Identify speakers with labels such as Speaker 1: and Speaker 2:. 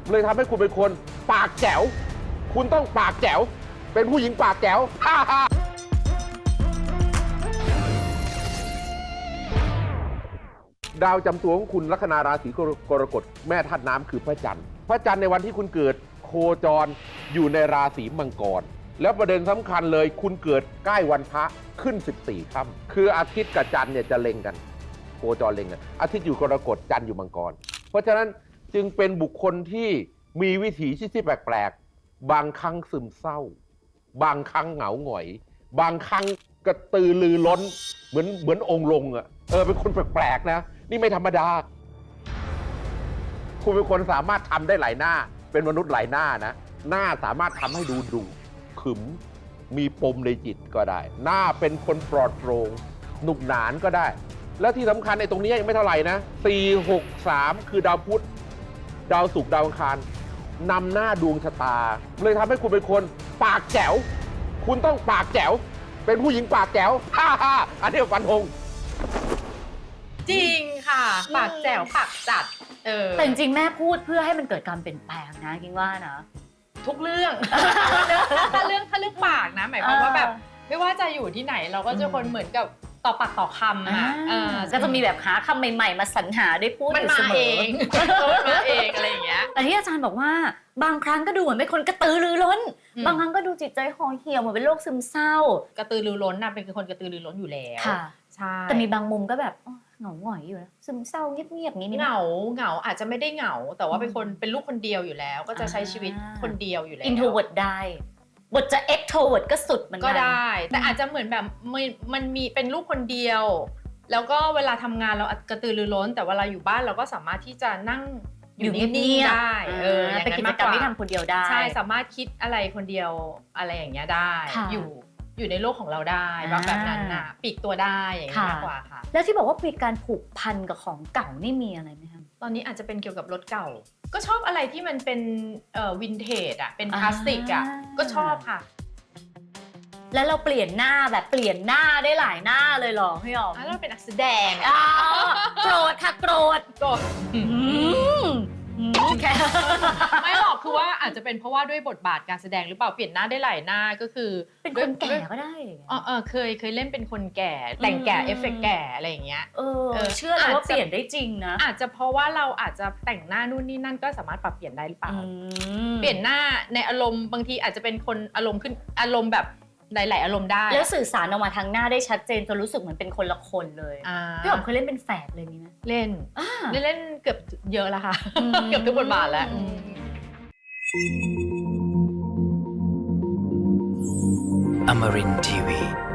Speaker 1: เลยทำให้คุณเป็นคนปากแจ๋วคุณต้องปากแจ๋วเป็นผู้หญิงปากแจ๋วดาวจำตัวของคุณลัคนาราศีกรกฎแม่ธาตุน้ำคือพระจันทร์พระจันทร์ในวันที่คุณเกิดโคจรอยู่ในราศีมังกรแล้วประเด็นสำคัญเลยคุณเกิดใกล้วันพระขึ้น14ค่ำคืออาทิตย์กับจันทร์เนี่ยจะเล็งกันโคจรเล็งกันอาทิตย์อยู่กรกฎจันทร์อยู่มังกรเพราะฉะนั้นจึงเป็นบุคคลที่มีวิถีชีวิตที่แปลกๆบางครั้งซึมเศร้าบางครั้งเหงาหงอยบางครั้งกระตือรือร้นเหมือนองค์ลงอ่ะเป็นคนแปลกๆนะนี่ไม่ธรรมดาคุณเป็นคนสามารถทำได้หลายหน้าเป็นมนุษย์หลายหน้านะหน้าสามารถทำให้ดูดุขึมมีปมในจิตก็ได้หน้าเป็นคนปลอดโปร่งหนุกหนานก็ได้แล้วที่สำคัญในตรงนี้ยังไม่เท่าไหร่นะ4 6 3คือดาวพุธดาวศุกร์ดาวอังคารนำหน้าดวงชะตาเลยทำให้คุณเป็นคนปากแจ๋วคุณต้องปากแจ๋วเป็นผู้หญิงปากแจ๋วอันนี้ฟันธง
Speaker 2: จริงค่ะปากแจ๋วปากจัด
Speaker 3: แต่จริงๆแม่พูดเพื่อให้มันเกิดการเปลี่ยนแปลงนะกิงว่านะ
Speaker 2: ทุกเรื่อง ถ้าเรื่องปากนะหมายความว่าแบบไม่ว่าจะอยู่ที่ไหนเราก็จะคนเหมือนกับต่อปากต่อคำอะ
Speaker 3: ก็จะมีแบบหาคำใหม่ๆมาสรรหาได้พูด
Speaker 2: มันมาเองมาเองอะไรอย่างเงี้ย
Speaker 3: แต่ที่อาจารย์บอกว่าบางครั้งก็ดูเหมือนเป็นคนกระตือรือร้นบางครั้งก็ดูจิตใจห่อเหี่ยวเหมือนเป็นโรคซึมเศร้าก
Speaker 2: ระตือรือร้นนะเป็นคนกระตือรือร้นอยู่แล้วใช่
Speaker 3: แต่มีบางมุมก็แบบเหงาหงอยอยู่นะซึมเศร้าเงียบๆนี้
Speaker 2: เหงาอาจจะไม่ได้เหงาแต่ว่าเป็นลูกคนเดียวอยู่แล้วก็จะใช้ชีวิตคนเดียวอยู่แล้ว
Speaker 3: introvert ได้บทจะ extrovert ก็สุดเหมือนกัน
Speaker 2: ก็ได้แต่อาจจะเหมือนแบบมันมีเป็นลูกคนเดียวแล้วก็เวลาทำงานเรากระตือรือร้นแต่เวลาอยู่บ้านเราก็สามารถที่จะนั่งอยู่นิ่งๆได้
Speaker 3: เป็นกิจกรรมที่ทำคนเดียวได้
Speaker 2: ใช่สามารถคิดอะไรคนเดียวอะไรอย่างเงี้ยได้อยู่ในโลกของเราได้แบบนั้นน่ะปีกตัวได้อย่างนี้มากกว่าค่ะ
Speaker 3: แล้วที่บอกว่ามีการผูกพันกับของเก่านี่มีอะไรไหมคะ
Speaker 2: ตอนนี้อาจจะเป็นเกี่ยวกับรถเก่าก็ชอบอะไรที่มันเป็นวินเทจอ่ะเป็นคลาสสิกอ่ะก็ชอบค่ะ
Speaker 3: แล้วเราเปลี่ยนหน้าแบบเปลี่ยนหน้าได้หลายหน้าเลยหรอพี่อ๋อม
Speaker 2: เราเป็นนักแสดง
Speaker 3: โกรธค่ะโกรธ
Speaker 2: ไม่หรอกคือว่าอาจจะเป็นเพราะว่าด้วยบทบาทการแสดงหรือเปล่าเปลี่ยนหน้าได้หลายหน้าก็คือ
Speaker 3: เป็นคนแก่ก็ได้
Speaker 2: เคยเล่นเป็นคนแก่แต่งแก่เอฟเฟกต์แก่อะไรอย่างเงี้ย
Speaker 3: เชื่อเลยว่าเปลี่ยนได้จริงนะ
Speaker 2: อาจจะเพราะว่าเราอาจจะแต่งหน้านู่นนี่นั่นก็สามารถปรับเปลี่ยนได้หรือเปล่าเปลี่ยนหน้าในอารมณ์บางทีอาจจะเป็นคนอารมณ์ขึ้นอารมณ์แบบหลายๆอารมณ์ได้
Speaker 3: แล้วสื่อสารออกมาทางหน้าได้ชัดเจนจนรู้สึกเหมือนเป็นคนละคนเลยพี่หอมเคยเล่นเป็นแฝดเลยมีไหม
Speaker 2: เล่นเกือบเยอะแล้วค่ะเกือบทุกบทบาทแล้ว
Speaker 4: Amarin Tiwi